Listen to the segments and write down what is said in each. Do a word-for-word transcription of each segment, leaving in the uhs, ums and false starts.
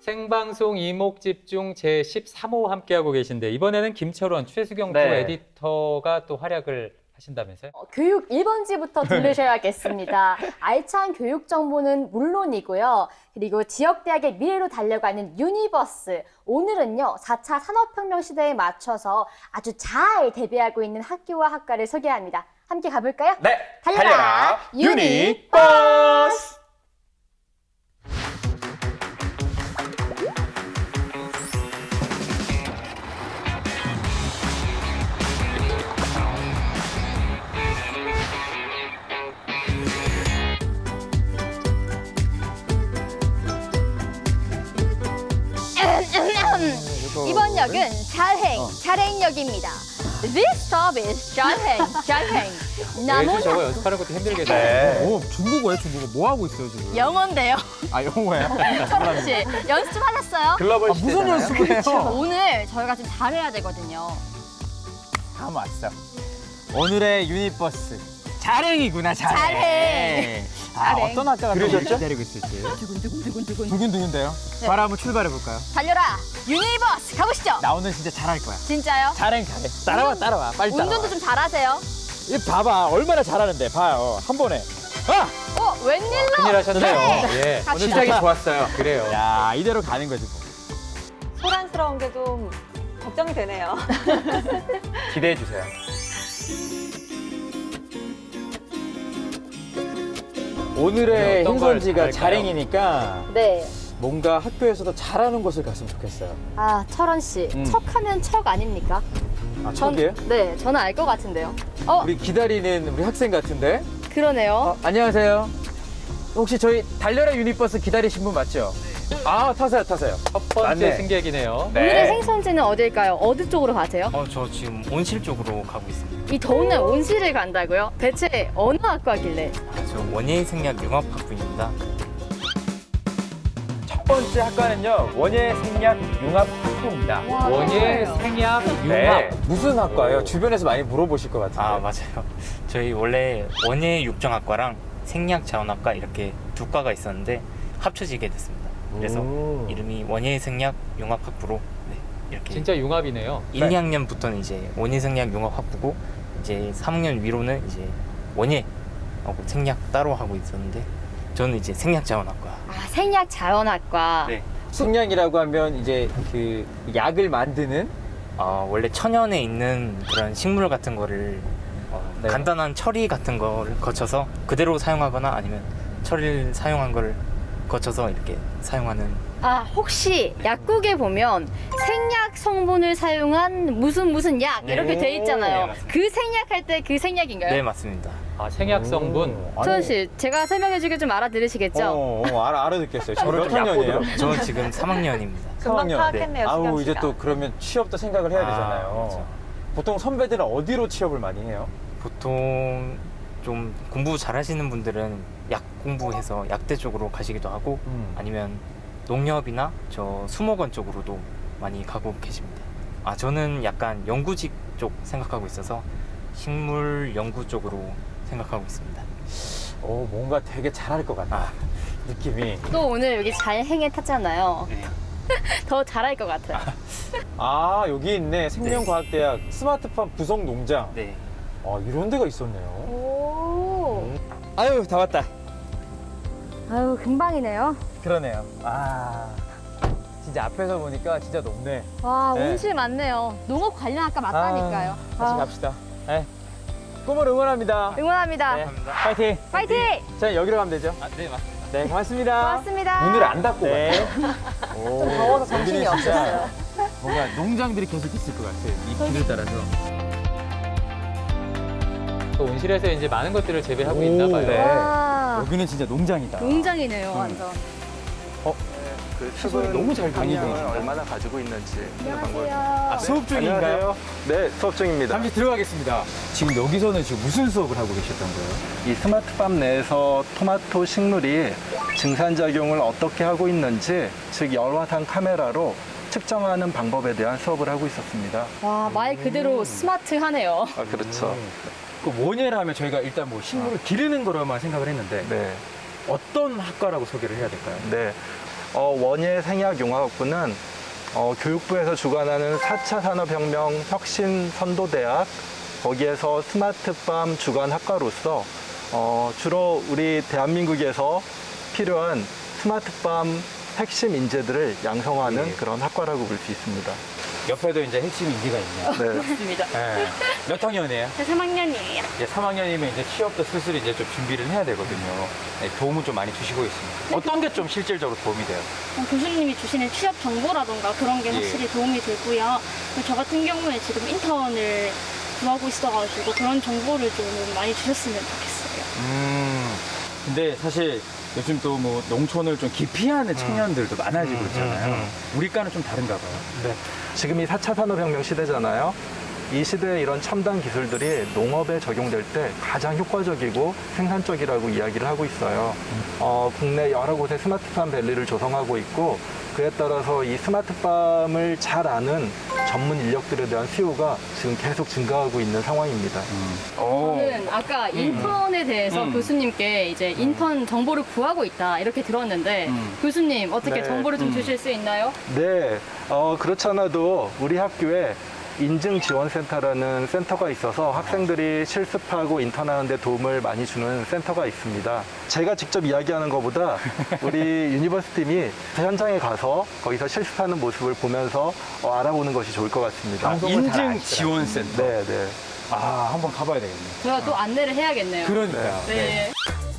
생방송 이목집중 제십삼 호 함께하고 계신데 이번에는 김철원, 최수경 두 네. 에디터가 또 활약을 하신다면서요? 어, 교육 일 번지부터 들으셔야겠습니다. 알찬 교육 정보는 물론이고요. 그리고 지역대학의 미래로 달려가는 유니버스. 오늘은요, 사 차 산업혁명 시대에 맞춰서 아주 잘 대비하고 있는 학교와 학과를 소개합니다. 함께 가볼까요? 네, 달려라, 달려라 유니버스! 유니버스! 이번 역은 잘행, 잘행역입니다. This stop is 잘행, 잘행. 매주 저거 연습하는 것도 힘들겠네요. 네. 오, 중국어예요, 중국어. 뭐 하고 있어요, 지금? 영어인데요. 아, 영어예요? 철원 씨, 연습 좀 하셨어요? 글로벌 아, 무슨 시대잖아요. 연습을 해요? 오늘 저희가 좀 잘해야 되거든요. 다음 왔어. 오늘의 유니버스. 잘행이구나, 잘행. 잘행. 아, 잘행. 어떤 학과가 또 그러셨죠? 기다리고 있을지. 두근두근두근두근. 두근두근데요? 네. 바로 한번 출발해볼까요? 달려라, 유니버스 가보시죠. 나 오늘 진짜 잘할 거야. 진짜요? 잘행, 잘해. 따라와, 따라와. 빨리 따라와. 운전도 좀 잘하세요. 이 봐봐, 얼마나 잘하는데. 봐요, 한 번에. 아! 어, 웬일로? 큰일 하셨네요. 네. 예. 갑시다. 시작이 좋았어요. 그래요. 야, 이대로 가는 거지, 뭐. 소란스러운 게 좀 걱정이 되네요. 기대해 주세요. 오늘의 어떤 걸 행선지가 잘할까요? 잘행이니까 네. 뭔가 학교에서도 잘하는 곳을 갔으면 좋겠어요. 아, 철원 씨, 음. 척하면 척 아닙니까? 아, 전- 저기요? 네, 저는 알 것 같은데요. 어, 우리 기다리는 우리 학생 같은데? 그러네요. 어, 안녕하세요. 혹시 저희 달려라 유니버스 기다리신 분 맞죠? 아, 타세요, 타세요. 첫 번째 맞네. 승객이네요. 오늘의 행선지는 어딜까요? 어디 쪽으로 가세요? 어, 저 지금 온실 쪽으로 가고 있습니다. 이 더운 날 온실을 간다고요? 대체 어느 학과길래? 아, 저 원예의 생략 융합학부입니다. 첫 번째 학과는요, 원예 생략 융합 학부입니다. 원예, 생약, 융합. 네. 무슨 학과예요? 주변에서 많이 물어보실 것 같은데. 아, 맞아요. 저희 원래 원예 육정학과랑 생략 자원학과 이렇게 두 과가 있었는데 합쳐지게 됐습니다. 그래서 오. 이름이 원예 생략 융합학부로 네, 이렇게 진짜 융합이네요. 일, 이 학년부터는 이제 원예 생략 융합학부고 이제 삼 학년 위로는 이제 원예하고 생략 따로 하고 있었는데 저는 이제 생략 자원학과. 아, 생약 자연학과. 네. 식량이라고 하면 이제 그 약을 만드는 어, 원래 천연에 있는 그런 식물 같은 거를 어, 네. 간단한 처리 같은 거를 거쳐서 그대로 사용하거나 아니면 처리를 사용한 걸 거쳐서 이렇게 사용하는. 아, 혹시 약국에 보면 생약 성분을 사용한 무슨 무슨 약 네. 이렇게 돼 네, 있잖아요. 맞습니다. 그 생약할 때 그 생약인가요? 네, 맞습니다. 아, 생약 성분. 오, 소연 아니, 씨, 제가 설명해 주길 좀 알아들으시겠죠? 어, 어, 알아, 알아듣겠어요. 저를 몇 좀 학년이에요? 약보드로. 저는 지금 삼 학년입니다. 금방 학년. 파악했네요, 아우, 수경 이제 씨가. 또 그러면 취업도 생각을 해야 아, 되잖아요. 그렇죠. 보통 선배들은 어디로 취업을 많이 해요? 보통 좀 공부 잘하시는 분들은 약 공부해서 약대 쪽으로 가시기도 하고 음. 아니면 농협이나 저 수목원 쪽으로도 많이 가고 계십니다. 아, 저는 약간 연구직 쪽 생각하고 있어서 식물 연구 쪽으로 생각하고 있습니다. 어, 뭔가 되게 잘할 것 같아. 아, 느낌이. 또 오늘 여기 잘 행에 탔잖아요. 네. 더 잘할 것 같아요. 아, 여기 있네. 생명과학대학 스마트팜 부속 농장. 네. 아, 이런 데가 있었네요. 오. 아유, 다 왔다. 아유, 금방이네요. 그러네요. 아, 진짜 앞에서 보니까 진짜 높네. 와, 네. 온실 많네요. 농업 관련 학과 맞다니까요. 아, 같이 아, 갑시다. 네. 꿈을 응원합니다. 응원합니다. 네. 파이팅. 파이팅! 자, 여기로 가면 되죠? 아, 네, 맞습니다. 네, 고맙습니다. 고맙습니다. 문을 안 닫고 네. 오, 좀 더워서 정신이 없었어요. 뭔가 농장들이 계속 있을 것 같아요. 이 길을 따라서. 또 온실에서 이제 많은 것들을 재배하고 오, 있나 봐요. 네. 와, 여기는 진짜 농장이다. 농장이네요, 음. 완전. 그 시설이 수분 너무 잘 함량을 다니고 얼마나 가지고 있는지 하는 방법을. 안녕하세요. 아, 수업 중인가요? 네, 수업 중입니다. 잠시 들어가겠습니다. 지금 여기서는 지금 무슨 수업을 하고 계셨던 거예요? 이 스마트팜 내에서 토마토 식물이 증산작용을 어떻게 하고 있는지, 즉 열화상 카메라로 측정하는 방법에 대한 수업을 하고 있었습니다. 와, 말 그대로 스마트하네요. 아, 그렇죠. 그 원예라 하면 저희가 일단 뭐 식물을 기르는 거로만 생각을 했는데 네. 어떤 학과라고 소개를 해야 될까요? 네. 어, 원예 생약융합학부는 어, 교육부에서 주관하는 사 차 산업혁명 혁신 선도대학, 거기에서 스마트팜 주관 학과로서 어, 주로 우리 대한민국에서 필요한 스마트팜 핵심 인재들을 양성하는 예. 그런 학과라고 볼 수 있습니다. 옆에도 이제 핵심 인재가 있네요. 네. 맞습니다. 네. 몇 학년이에요? 저 삼 학년이에요. 이제 삼 학년이면 이제 취업도 슬슬 이제 좀 준비를 해야 되거든요. 네, 도움을 좀 많이 주시고 있습니다. 어떤 게 좀 실질적으로 도움이 돼요? 어, 교수님이 주시는 취업 정보라던가 그런 게 예. 확실히 도움이 되고요. 그리고 저 같은 경우에 지금 인턴을 구하고 있어가지고 그런 정보를 좀 많이 주셨으면 좋겠어요. 음. 근데 사실 요즘 또 뭐 농촌을 좀 기피하는 청년들도 많아지고 있잖아요. 우리과는 좀 다른가 봐요. 네. 지금 이 사 차 산업혁명 시대잖아요. 이 시대의 이런 첨단 기술들이 농업에 적용될 때 가장 효과적이고 생산적이라고 이야기를 하고 있어요. 어, 국내 여러 곳에 스마트팜 밸리를 조성하고 있고 그에 따라서 이 스마트팜을 잘 아는 전문 인력들에 대한 수요가 지금 계속 증가하고 있는 상황입니다. 오. 저는 아까 인턴에 대해서 음. 교수님께 이제 인턴 정보를 구하고 있다 이렇게 들었는데 음. 교수님 어떻게 네. 정보를 좀 음. 주실 수 있나요? 네, 어, 그렇지 않아도 우리 학교에 인증지원센터라는 센터가 있어서 학생들이 실습하고 인턴하는 데 도움을 많이 주는 센터가 있습니다. 제가 직접 이야기하는 것보다 우리 유니버스 팀이 현장에 가서 거기서 실습하는 모습을 보면서 어, 알아보는 것이 좋을 것 같습니다. 인증 지원센터. 네, 네. 아, 한번 가봐야 되겠네요. 제가 또 안내를 해야겠네요. 그러니까요. 네.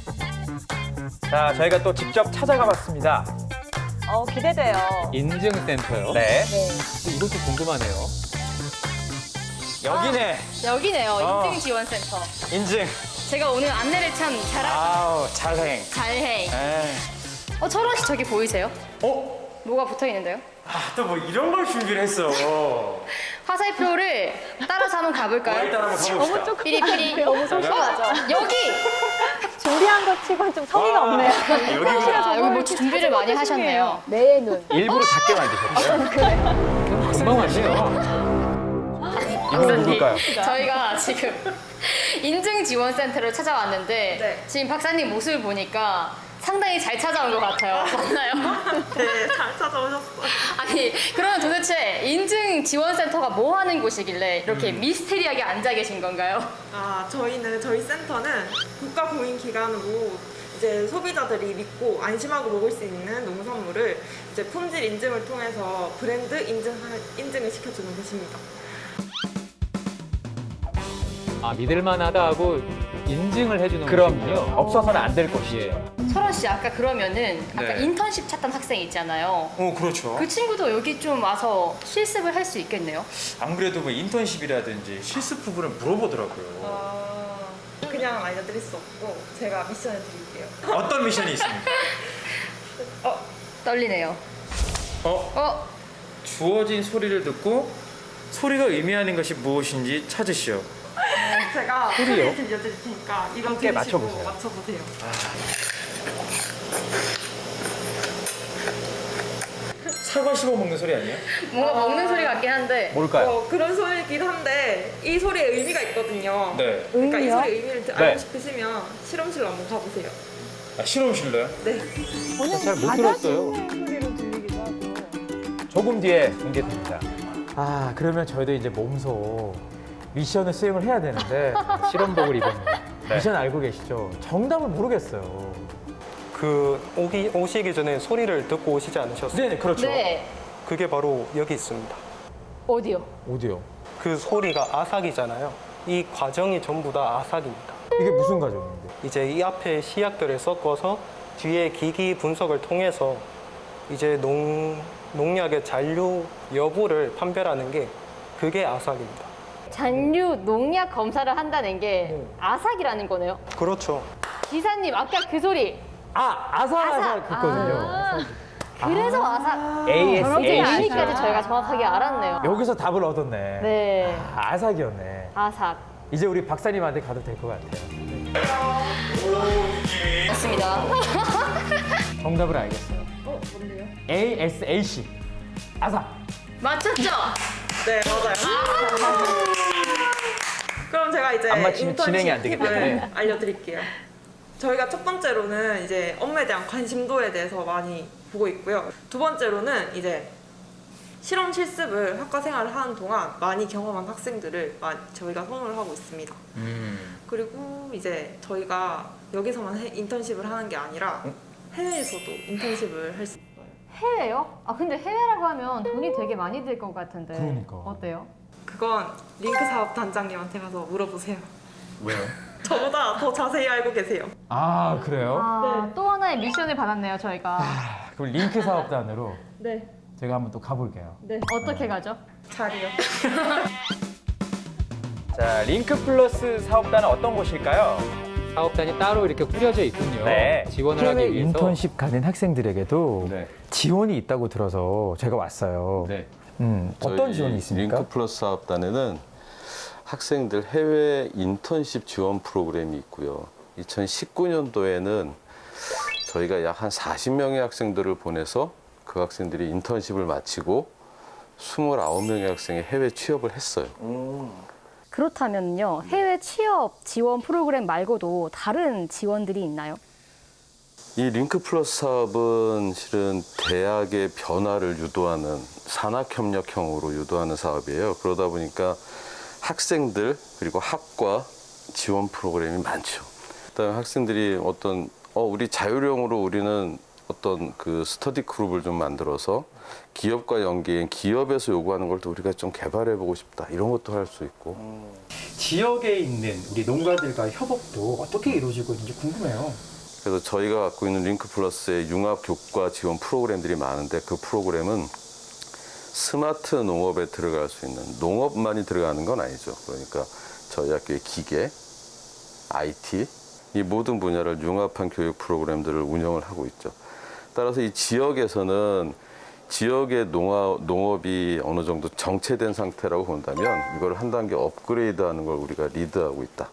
자, 저희가 또 직접 찾아가 봤습니다. 어, 기대돼요. 인증센터요? 네. 이것도 궁금하네요. 여기네. 여기네요. 어. 인증지원센터. 인증. 제가 오늘 안내를 참 잘하, 아우, 잘행. 잘해. 에. 어, 철원 씨 저기 보이세요? 어? 뭐가 붙어 있는데요? 아, 또 뭐 이런 걸 준비를 했어. 화살표를 따라서 한번 가볼까요? 일단 한번 가봅시다. 조금 삐리삐리. 너무 소심하죠? 여기! 준비한 것 치고는 좀 성의가 없네요. 아, 여기 뭐 준비를 많이 하셨네요. 내 눈. 일부러 작게 만드셨죠? 금방 왔네요. 이거 누굴까요? 저희가 지금 인증지원센터를 찾아왔는데 네. 지금 박사님 모습을 보니까 상당히 잘 찾아온 것 같아요. 맞나요? 네, 잘 찾아오셨어요. 아니 그러면 도대체 인증지원센터가 뭐 하는 곳이길래 이렇게 미스테리하게 앉아 계신 건가요? 아, 저희는 저희 센터는 국가 공인 기관으로 이제 소비자들이 믿고 안심하고 먹을 수 있는 농산물을 이제 품질 인증을 통해서 브랜드 인증 인증을 시켜주는 곳입니다. 아, 믿을만하다 하고 인증을 해주는 그럼요. 곳이군요. 없어서는 안 될 것이에요. 철원 씨 아까 그러면은 아까 네. 인턴십 찾던 학생 있잖아요. 어, 그렇죠. 그 친구도 여기 좀 와서 실습을 할 수 있겠네요. 안 그래도 뭐 인턴십이라든지 실습 부분을 물어보더라고요. 아, 그냥 알려드릴 수 없고 제가 미션을 드릴게요. 어떤 미션이 있습니까? 떨리네요. 어? 어? 주어진 소리를 듣고 소리가 의미하는 것이 무엇인지 찾으시오. 제가 소리요? 소리를 들려드릴 테니까 이거 함께 들으시고 맞춰보세요. 맞춰보세요. 사과 씹어 먹는 소리 아니에요? 뭔가 먹는 소리 같긴 한데 뭘까요? 어, 그런 소리이긴 한데 이 소리에 의미가 있거든요. 네. 그러니까 이 소리 의미를 드- 네. 알고 싶으시면 실험실로 한번 가보세요. 아, 실험실로요? 네. 잘 못 들었어요. 소리로 들리기도 하고. 조금 뒤에 공개됩니다. 아, 그러면 저희도 이제 몸소 미션을 수행을 해야 되는데 실험복을 입었네요. 미션 알고 계시죠? 정답을 모르겠어요. 그 오기, 오시기 전에 소리를 듣고 오시지 않으셨어요? 네, 그렇죠. 네. 그게 바로 여기 있습니다. 어디요? 어디요? 그 소리가 아삭이잖아요. 이 과정이 전부 다 아삭입니다. 이게 무슨 과정인데? 이제 이 앞에 시약들을 섞어서 뒤에 기기 분석을 통해서 이제 농, 농약의 잔류 여부를 판별하는 게 그게 아삭입니다. 잔류 농약 검사를 한다는 게 아삭이라는 거네요. 그렇죠. 기사님 아까 그 소리 아, 아삭아삭 아삭. 했거든요. 아, 그래서 아삭. 에이에스, 저렇게 에이씨. 의미까지 저희가 정확하게 알았네요. 여기서 답을 얻었네. 네. 아, 아삭이었네. 아삭. 이제 우리 박사님한테 가도 될 것 같아요. 맞습니다. 정답을 알겠어요. 어, 뭔데요? 에이에스에이씨. 아삭. 맞췄죠? 네, 맞아요. 그럼 제가 이제 안 맞히면 진행이 안 되기 인턴십 팁을 때문에. 알려드릴게요. 저희가 첫 번째로는 이제 업무에 대한 관심도에 대해서 많이 보고 있고요. 두 번째로는 이제 실험 실습을 학과 생활을 하는 동안 많이 경험한 학생들을 많이 저희가 선호를 하고 있습니다. 음. 그리고 이제 저희가 여기서만 해- 인턴십을 하는 게 아니라 해외에서도 인턴십을 할 수 있어요. 해외요? 아 근데 해외라고 하면 돈이 되게 많이 들 것 같은데. 그러니까. 어때요? 그건 링크 사업 단장님한테 가서 물어보세요. 왜요? 저보다 더 자세히 알고 계세요. 아, 그래요? 아, 또 하나의 미션을 받았네요 저희가. 그럼 링크 사업단으로 네. 제가 한번 또 가볼게요. 네. 어떻게 가죠? 자리요. 자, 링크 플러스 사업단은 어떤 곳일까요? 사업단이 따로 이렇게 꾸려져 있군요. 네. 지원을 해외 하기 위해서. 인턴십 가는 학생들에게도 네. 지원이 있다고 들어서 제가 왔어요. 네. 음, 어떤 저희 지원이 있습니까? 링크 플러스 사업단에는 학생들 해외 인턴십 지원 프로그램이 있고요. 이천십구 년도에는 저희가 약 한 사십 명의 학생들을 보내서 그 학생들이 인턴십을 마치고 이십구 명의 학생이 해외 취업을 했어요. 그렇다면요 해외 취업 지원 프로그램 말고도 다른 지원들이 있나요? 이 링크 플러스 사업은 실은 대학의 변화를 유도하는 산학협력형으로 유도하는 사업이에요. 그러다 보니까 학생들 그리고 학과 지원 프로그램이 많죠. 그다음에 학생들이 어떤 어 우리 자율형으로 우리는 어떤 그 스터디 그룹을 좀 만들어서 기업과 연계인 기업에서 요구하는 걸 또 우리가 좀 개발해 보고 싶다 이런 것도 할 수 있고. 지역에 있는 우리 농가들과 협업도 어떻게 이루어지고 있는지 궁금해요. 그래서 저희가 갖고 있는 링크 플러스의 융합 교과 지원 프로그램들이 많은데 그 프로그램은 스마트 농업에 들어갈 수 있는, 농업만이 들어가는 건 아니죠. 그러니까 저희 학교의 기계, 아이티 이 모든 분야를 융합한 교육 프로그램들을 운영을 하고 있죠. 따라서 이 지역에서는 지역의 농업, 농업이 어느 정도 정체된 상태라고 본다면 이걸 한 단계 업그레이드하는 걸 우리가 리드하고 있다.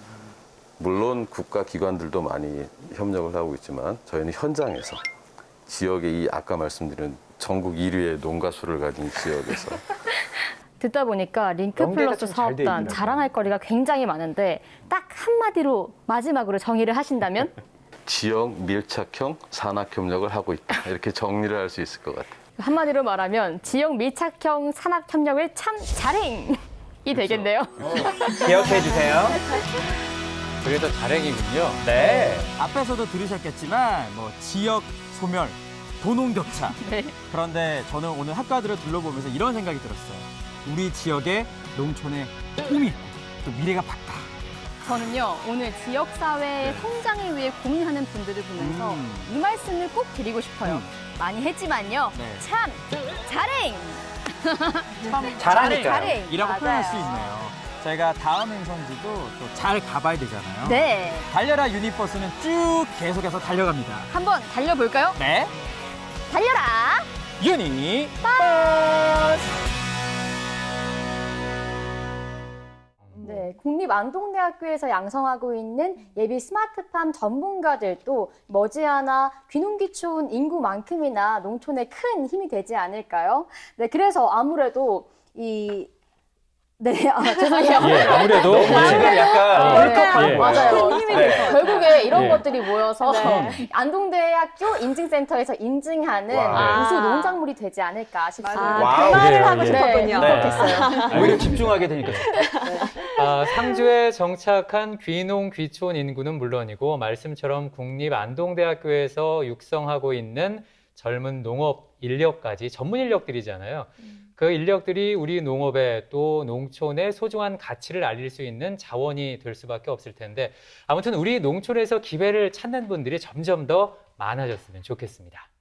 물론 국가 기관들도 많이 협력을 하고 있지만 저희는 현장에서 지역의 이 아까 말씀드린 전국 일 위의 농가 수를 가진 지역에서 듣다 보니까 링크 연계가 플러스 좀 잘돼 사업단 있더라고요. 자랑할 거리가 굉장히 많은데 딱 한마디로 마지막으로 정의를 하신다면? 지역 밀착형 산학협력을 하고 있다. 이렇게 정리를 할 수 있을 것 같아요. 한마디로 말하면 지역 밀착형 산학협력을 참 자랭이 되겠네요. 기억해 주세요. 그래도 자랭이군요. 네. 앞에서도 들으셨겠지만 뭐 지역 소멸, 도농 격차. 네. 그런데 저는 오늘 학과들을 둘러보면서 이런 생각이 들었어요. 우리 지역의 농촌에 꿈이 있고 또 미래가 밝다. 저는요 오늘 지역사회의 성장을 위해 고민하는 분들을 보면서 음. 이 말씀을 꼭 드리고 싶어요. 많이 했지만요 네. 참 자랭! 잘하니까요. 자랭! 이라고 표현할 수 맞아요. 있네요. 저희가 다음 행선지도 또 잘 가봐야 되잖아요. 네, 달려라 유니버스는 쭉 계속해서 달려갑니다. 한번 달려볼까요? 네. 달려라! 유니버스! 네, 국립안동대학교에서 양성하고 있는 예비 스마트팜 전문가들도 머지않아 귀농귀촌 인구만큼이나 농촌에 큰 힘이 되지 않을까요? 네, 그래서 아무래도 이 네, 아, 죄송해요. 예, 아무래도 지금 예. 약간 울컥하는 예. 거예요. 맞아요. 큰 힘이 네. 될 것 같아요. 결국에 이런 예. 것들이 모여서 네. 안동대학교 인증센터에서 인증하는 와. 우수 농작물이 되지 않을까 싶습니다. 아, 와우, 그 말을 그래요, 하고 예. 싶었군요. 네, 울컥했어요. 오히려 집중하게 되니까. 아, 상주에 정착한 귀농 귀촌 인구는 물론이고 말씀처럼 국립안동대학교에서 육성하고 있는 젊은 농업 인력까지 전문 인력들이잖아요. 그 인력들이 우리 농업에 또 농촌의 소중한 가치를 알릴 수 있는 자원이 될 수밖에 없을 텐데 아무튼 우리 농촌에서 기회를 찾는 분들이 점점 더 많아졌으면 좋겠습니다.